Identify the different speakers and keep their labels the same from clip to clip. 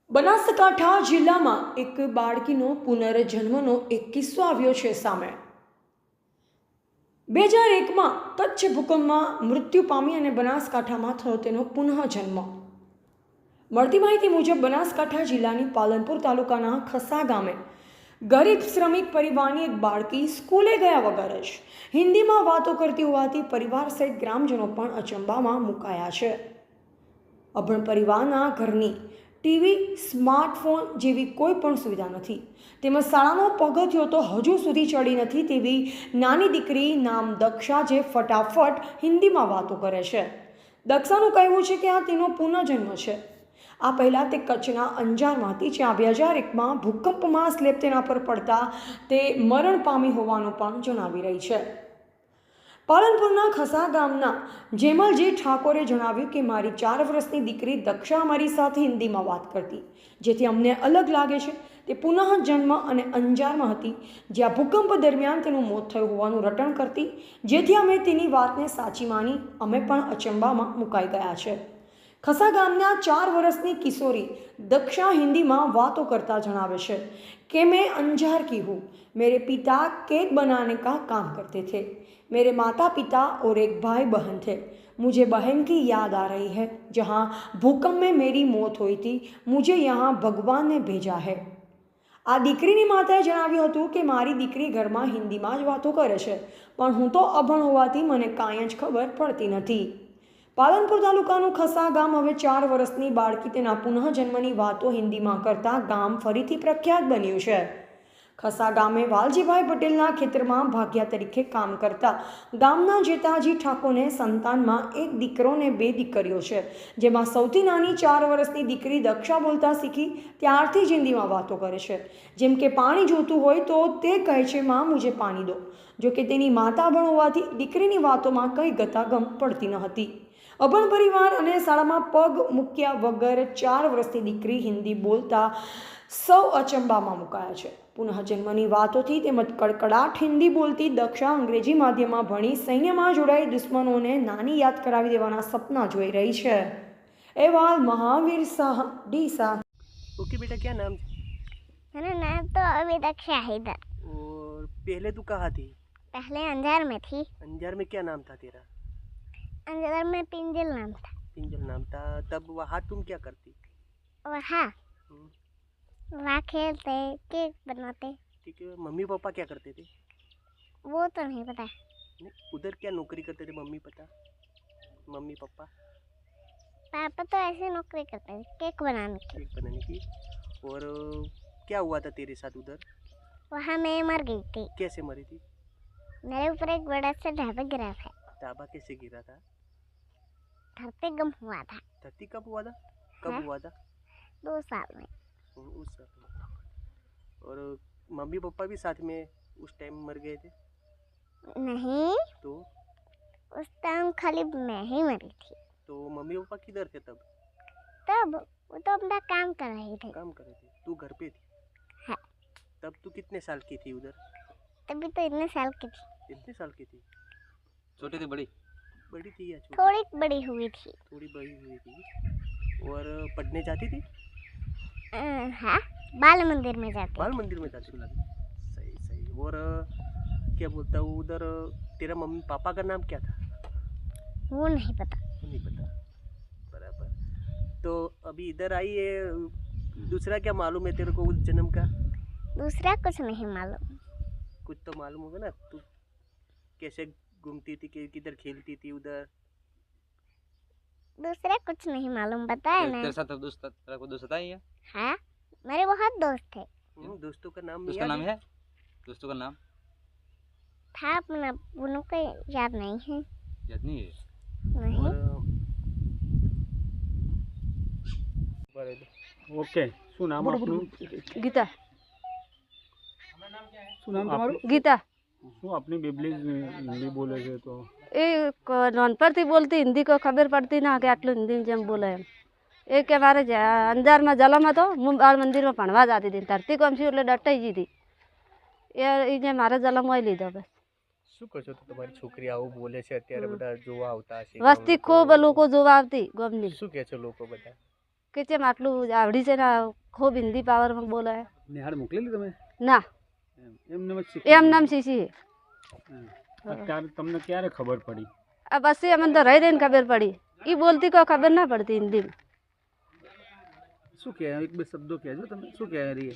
Speaker 1: બનાસકાંઠા જિલ્લામાં એક બાળકીનો પુનર્જન્મનો એક કિસ્સો આવ્યો છે સામે। 2001માં કચ્છ ભૂકંપમાં મૃત્યુ પામી અને બનાસકાંઠામાં થયો તેનો પુનઃજન્મ। મળતી માહિતી મુજબ બનાસકાંઠા જિલ્લાની પાલનપુર તાલુકાના ખસા ગામે ગરીબ શ્રમિક પરિવારની એક બાળકી સ્કૂલે ગયા વગર જ હિન્દીમાં વાતો કરતી હોવાથી પરિવાર સહિત ગ્રામજનો પણ અચંબામાં મુકાયા છે। અભણ પરિવારના ઘરની ટીવી, સ્માર્ટફોન જેવી કોઈ પણ સુવિધા નથી, તેમજ શાળાનો પગથિયો તો હજુ સુધી ચડી નથી તેવી નાની દીકરી નામ દક્ષા જે ફટાફટ હિન્દીમાં વાતો કરે છે। દક્ષાનું કહેવું છે કે આ તેનો પુનઃજન્મ છે। આ પહેલાં તે કચ્છના અંજારમાં હતી, જ્યાં 2001માં ભૂકંપમાં સ્લેબ તેના પર પડતા તે મરણ પામી હોવાનું પણ જણાવી રહી છે। પાલનપુરના ખસા ગામના જેમલજી ઠાકોરે જણાવ્યું કે મારી 4 વર્ષની દીકરી દક્ષા અમારી સાથે હિન્દીમાં વાત કરતી, જેથી અમને અલગ લાગે છે। તે પુનઃજન્મ અને અંજારમાં હતી, જ્યાં ભૂકંપ દરમિયાન તેનું મોત થયું હોવાનું રટણ કરતી, જેથી અમે તેની વાતને સાચી માની અમે પણ અચંબામાં મુકાઈ ગયા છે। ખસા ગામના 4 વર્ષની કિશોરી दक्षा हिंदी में बातों करता जनावे छे कि मैं अंजार की हूँ। मेरे पिता केक बनाने का काम करते थे। मेरे माता पिता और एक भाई बहन थे। मुझे बहन की याद आ रही है, जहाँ भूकंप में मेरी मौत हुई थी। मुझे यहाँ भगवान ने भेजा है। आ दीकरीनी माताए जणाव्युं हतुं कि मारी दीकरी घर में हिंदी में ज वातो करे छे, पण हूँ तो अभण होवाथी मने कांई ज खबर पड़ती नथी। पालनपुर तालुकानुं खसा गाम हवे 4 वर्षनी बाळकी तेना पुनःजन्मनी वातो हिंदी में करता गाम फरीथी प्रख्यात बन्युं छे। खसा गामे वालजीभाई पटेलना खेतरमां भाग्या तरीके काम करता गामना जेताजी ठाकोरने संतानमां एक दीकरो ने 2 दीकरीओ छे, जेमां सौथी नानी 4 वर्षनी दीकरी दक्षा बोलता शीखी त्यारथी ज हिंदीमां वातो करे छे। जेम के पाणी जोतुं होय तो ते कहे छे मां मुझे पाणी दो। जो कि तेनी माता अभण होवाथी दीकरीनी वातोमां कई गतागम पड़ती न हती। अभण परिवार अने शाळामां पग मूक्या वगर 4 वर्षनी दीकरी हिंदी बोलता सौ अचंबामां मुकाया छे। पुनःजन्मनी वातोथी तेमज कड़कड़ाट हिंदी बोलती दक्षा अंग्रेजी माध्यममां भणी सैन्यमां जोડાઈ दुश्मनोने नानी याद करावी देवाना सपना जोई रही है। अहवाल महावीर शाह डीसा।
Speaker 2: ओके बेटा, क्या नाम?
Speaker 3: मेरा नाम तो अभी दक्षा हैदर।
Speaker 2: और पहले तू कहाँ थी?
Speaker 3: पहले अंजार में थी।
Speaker 2: अंजार में क्या नाम था तेरा?
Speaker 3: अंजार में पिंजल नाम था।
Speaker 2: पिंजल नाम था। तब वहाँ तुम क्या करती?
Speaker 3: वहाँ खेलते, केक बनाते।
Speaker 2: ठीक है। मम्मी पापा क्या करते थे?
Speaker 3: वो तो नहीं पता।
Speaker 2: नहीं, उधर क्या नौकरी करते थे मम्मी पापा?
Speaker 3: पापा तो ऐसे नौकरी करते थे, केक बनाने की।
Speaker 2: केक बनाने की। और क्या हुआ था तेरे साथ उधर?
Speaker 3: वहाँ मैं मर गई थी।
Speaker 2: कैसे मरी थी?
Speaker 3: मेरे ऊपर एक बड़ा सा ढाबा गिरा था।
Speaker 2: ढाबा कैसे गिरा था?
Speaker 3: धरती गम हुआ था।
Speaker 2: धरती कब हुआ था? कब हुआ था?
Speaker 3: 2 साल में।
Speaker 2: उस साल में। और मम्मी पापा भी साथ में उस टाइम मर गए थे?
Speaker 3: नहीं,
Speaker 2: तो
Speaker 3: उस टाइम खाली मैं ही मरी थी।
Speaker 2: तो मम्मी पापा किधर थे तब?
Speaker 3: तब वो तो अपना काम कर रहे थे।
Speaker 2: काम कर रहे थे, तू घर पे थी?
Speaker 3: हाँ।
Speaker 2: तब तू कितने साल की थी उधर?
Speaker 3: तभी तो इतने साल की थी।
Speaker 2: कितने साल की थी?
Speaker 4: छोटी थी बड़ी?
Speaker 2: बड़ी थी या छोटी?
Speaker 3: थोड़ी बड़ी हुई थी।
Speaker 2: थोड़ी बड़ी हुई थी। और पढ़ने जाती थी?
Speaker 3: हाँ, बाल मंदिर में जाते।
Speaker 2: बाल मंदिर में जाती थी। सही सही। और क्या बोलता हूँ, उधर तेरा मम्मी पापा का नाम क्या था?
Speaker 3: वो नहीं पता।
Speaker 2: नहीं पता। बराबर। तो अभी इधर आई है, दूसरा क्या मालूम है तेरे को उस जन्म का?
Speaker 3: दूसरा कुछ नहीं मालूम।
Speaker 2: कुछ तो मालूम होगा ना, तू कैसे घूमती थी, किधर खेलती थी उधर?
Speaker 3: दूसरा कुछ नहीं मालूम, बताया ना।
Speaker 4: तेरे साथ तेरा कोई दोस्त है?
Speaker 3: हाँ, मेरे बहुत दोस्त थे।
Speaker 2: दोस्तों का नाम
Speaker 4: दोस्त का नाम है? दोस्तों का नाम
Speaker 3: था अपना, उन्हों को याद नहीं है।
Speaker 4: याद नहीं है?
Speaker 3: नहीं।
Speaker 5: ओके, શું નામ આપનું?
Speaker 6: ગીતા।
Speaker 5: શું નામ તમારું?
Speaker 6: ગીતા।
Speaker 5: શું આપની બેબલી હિન્દી બોલે છે તો
Speaker 6: એ નાનપણથી બોલતી, હિન્દી કોઈ ખબર પડતી ના કે આટલું હિન્દી જેમ બોલે એમ। એ કે મારે અંજારમાં જલમ હતો, હું બાળ મંદિરમાં ભણવા જતી હતી, ધરતી કોમ છું એટલે ડટાઈ ગઈ હતી। એ જે મારે જલમ હોય લીધો બસ।
Speaker 2: શું કહો છો, તો તમારી છોકરી આવું બોલે છે અત્યારે બધા જોવા આવતા હશે?
Speaker 6: વસ્તી ખૂબ લોકો જોવા આવતી ગામની।
Speaker 2: શું કહે છે લોકો બધા?
Speaker 6: કે જેમ આટલું આવડી છે ને ખૂબ હિન્દી પાવરમાં બોલે છે.
Speaker 5: નિહાળ મોકલેલી તમે
Speaker 6: ના
Speaker 5: એમને જ શીખી
Speaker 6: એમ નામ શીશી
Speaker 5: અત્યારે તમને ક્યારે ખબર પડી
Speaker 6: આ પછી અમને તો રહી રહીને ખબર પડી એ બોલતી કોઈ ખબર ના પડતી હિન્દીમાં.
Speaker 5: શું કહે એક બે શબ્દો કહેજો તમે શું કહે રહી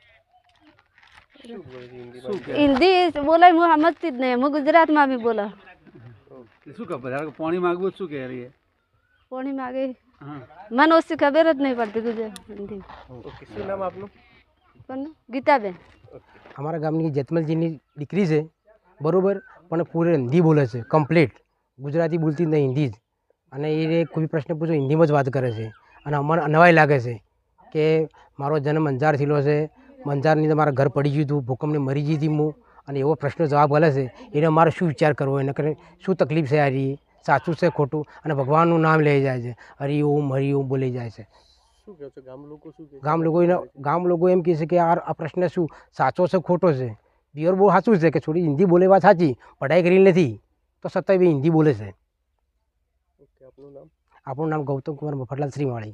Speaker 2: શું બોલે છે હિન્દીમાં?
Speaker 6: હિન્દી બોલે હું સમજતી જ નહીં. હું ગુજરાતમાં બી બોલા
Speaker 5: શું ખબર પાણી માગવું શું કહે રહી
Speaker 6: કોણી માગે
Speaker 5: હા
Speaker 6: મને ઓછી ખબર જ નહીં પડતી ગુજરાત હિન્દી.
Speaker 2: ઓકે, શું નામ આપનું?
Speaker 6: કોનું? ગીતાબેન.
Speaker 7: અમારા ગામની જેતમલજીની દીકરી છે બરાબર, પણ પૂરે હિન્દી બોલે છે કમ્પ્લીટ, ગુજરાતી બોલતી જ નહીં, હિન્દી જ. અને એ કોઈ પ્રશ્ન પૂછો હિન્દીમાં જ વાત કરે છે. અને અમને નવાઈ લાગે છે કે મારો જન્મ અંજાર થયેલો છે, અંજારની અંદર મારા ઘર પડી ગયું હતું, ભૂકંપને મરી ગઈ હતી હું, અને એવો પ્રશ્ન જવાબ મળે છે એને મારે શું વિચાર કરવો, એને કરે શું તકલીફ છે, આ રહી સાચું છે ખોટું, અને ભગવાનનું નામ લઈ જાય છે, હરિ ઓમ બોલી જાય છે.
Speaker 2: શું કહો છો? ગામ લોકો શું કહે છે?
Speaker 7: ગામ લોકો એમ કહે છે કે આ પ્રશ્ન શું સાચો છે ખોટો છે. પિયોર બહુ સાચું છે કે છોડી હિન્દી બોલે વાત સાચી, પઢાઈ કરી નથી તો છતાંય બી હિન્દી બોલે છે.
Speaker 2: ઓકે, આપનું નામ?
Speaker 7: આપણું નામ ગૌતમ કુમાર મફતલાલ શ્રીમાળી.